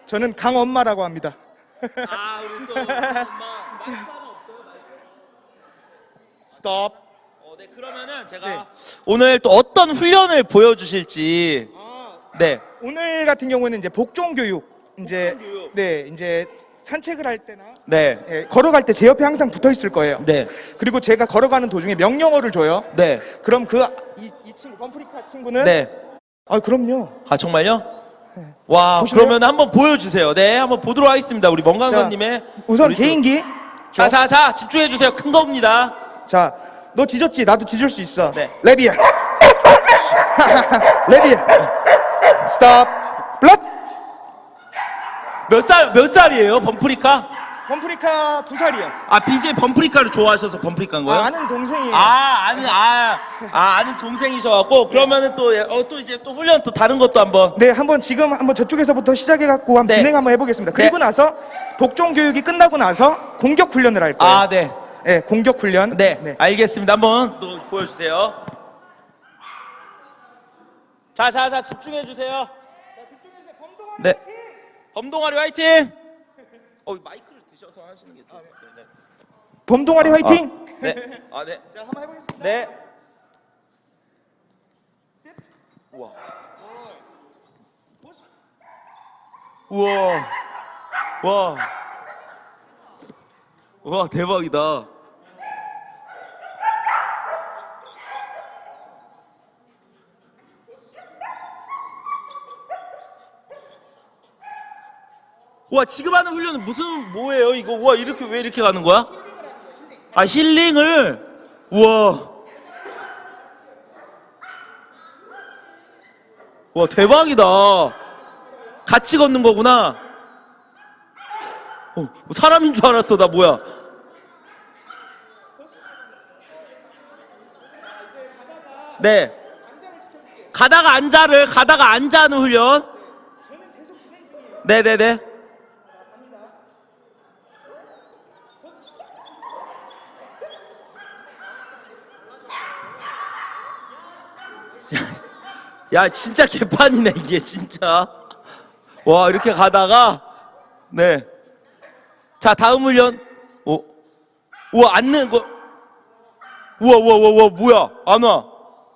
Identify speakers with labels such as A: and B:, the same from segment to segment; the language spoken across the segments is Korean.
A: 저는 강엄마라고 합니다.
B: 아, 우리 또 엄마 마이크 하나 없어요?
A: 스톱.
B: 네, 그러면은 제가
A: 네.
B: 오늘 또 어떤 훈련을 보여주실지. 네.
A: 오늘 같은 경우에는 이제 복종 교육, 이제
B: 복종 교육.
A: 네, 이제 산책을 할 때나
B: 네.
A: 예, 걸어갈 때 제 옆에 항상 붙어 있을 거예요.
B: 네.
A: 그리고 제가 걸어가는 도중에 명령어를 줘요.
B: 네.
A: 그럼 이 친구 범프리카 친구는
B: 네.
A: 아, 그럼요.
B: 아, 정말요? 와,
A: 보실래요?
B: 그러면 한번 보여주세요. 네, 한번 보도록 하겠습니다. 우리 멍강선님의
A: 우선
B: 우리 또-
A: 개인기.
B: 자, 집중해 주세요. 큰 겁니다.
A: 자, 너 지졌지? 나도 지질 수 있어.
B: 네.
A: 레비야. 레비야. 스톱. 블럭.
B: 몇 살이에요, 범프리카?
A: 범프리카 2살이요.
B: 아, BJ 범프리카를 좋아하셔서 범프리카인 거예요?
A: 아는 동생이에요.
B: 아는 동생이셔갖고 그러면은 또 이제 또 훈련 또 다른 것도 한번.
A: 네, 지금 한번 저쪽에서부터 시작해갖고 한번
B: 네.
A: 진행 한번 해보겠습니다. 그리고
B: 네.
A: 나서 복종 교육이 끝나고 나서 공격 훈련을 할 거예요.
B: 아, 네.
A: 네, 공격 훈련.
B: 네, 알겠습니다. 한번 또 보여주세요. 자, 집중해 주세요. 네, 범동아리 화이팅. 마이크를 드셔서 하시는 게 좋아요. 네.
A: 범동아리 화이팅.
B: 네. 네.
A: 자, 한번 해보겠습니다.
B: 네. 우와. 우와. 와. 와, 대박이다. 와, 지금 하는 훈련은 뭐예요 이거? 와, 왜 이렇게 가는 거야? 아, 힐링을. 우와. 와, 대박이다. 같이 걷는 거구나. 사람인 줄 알았어. 나 뭐야? 네. 가다가 앉아 하는 훈련. 네네네. 야, 진짜 개판이네 이게 진짜. 와, 이렇게 가다가. 네. 자, 다음 훈련. 우와, 앉는 거. 우와, 뭐야? 안 와.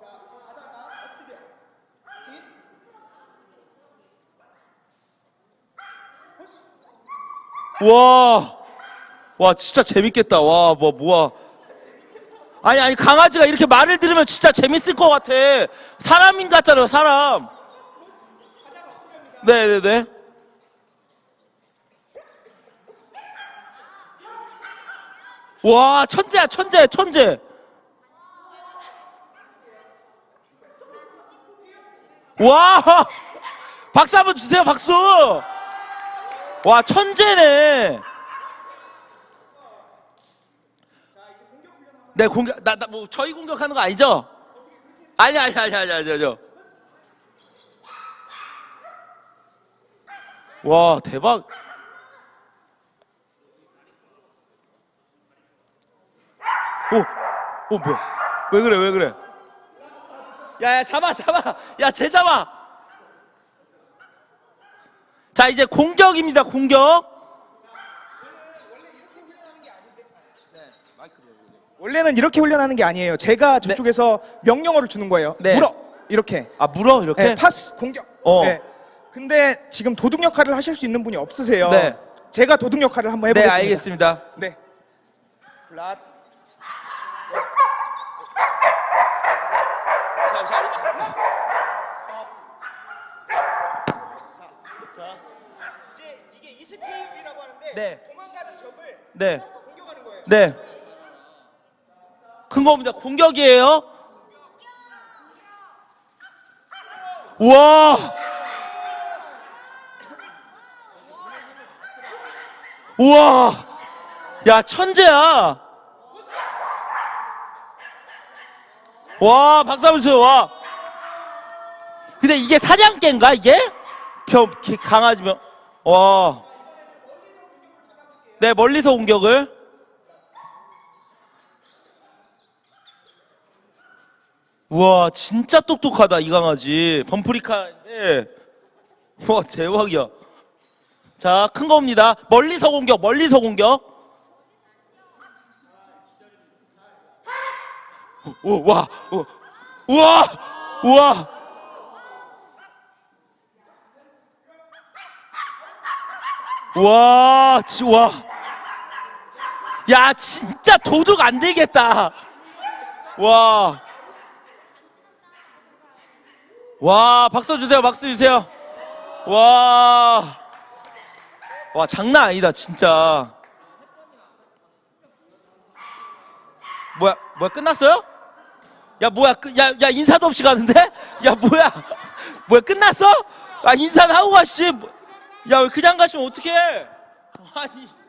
B: 와, 진짜 재밌겠다. 와, 뭐야. 아니, 강아지가 이렇게 말을 들으면 진짜 재밌을 것 같아. 사람인 같잖아요, 사람. 네네네. 와, 천재야, 천재. 와, 박수 한번 주세요, 박수. 와, 천재네. 네, 뭐 저희 공격하는 거 아니죠? 아니. 와, 대박. 뭐야? 왜 그래? 야, 잡아. 야, 쟤 잡아. 자, 이제 공격입니다, 공격.
A: 원래는 이렇게 훈련하는 게 아니에요. 제가 저쪽에서 명령어를 주는 거예요.
B: 네.
A: 물어. 이렇게.
B: 아, 물어 이렇게?
A: 네, 파스 공격. 네. 근데 지금 도둑 역할을 하실 수 있는 분이 없으세요.
B: 네.
A: 제가 도둑 역할을 한번
B: 네,
A: 해보겠습니다.
B: 알겠습니다.
A: 네. 플랫. 이제 이게 이스케이프라고 하는데
B: 네.
A: 도망가는 적을
B: 네.
A: 공격하는 거예요.
B: 네. 큰 겁니다. 공격이에요. 우와. 야, 천재야. 와, 박수 한번 주세요. 와. 근데 이게 사냥개인가 이게? 강아지면. 와. 네, 멀리서 공격을. 우와, 진짜 똑똑하다 이 강아지. 범프리카인데. 와, 대박이야. 자, 큰 겁니다. 멀리서 공격, 멀리서 공격. 오, 와, 오, 우와, 우와. 와, 와. 야, 진짜 도둑 안 되겠다. 와. 와, 박수 주세요, 박수 주세요. 와. 와, 장난 아니다, 진짜. 뭐야, 끝났어요? 야, 뭐야, 야, 인사도 없이 가는데? 야, 뭐야, 끝났어? 아, 인사는 하고 가, 씨. 야, 왜 그냥 가시면 어떡해? 아니.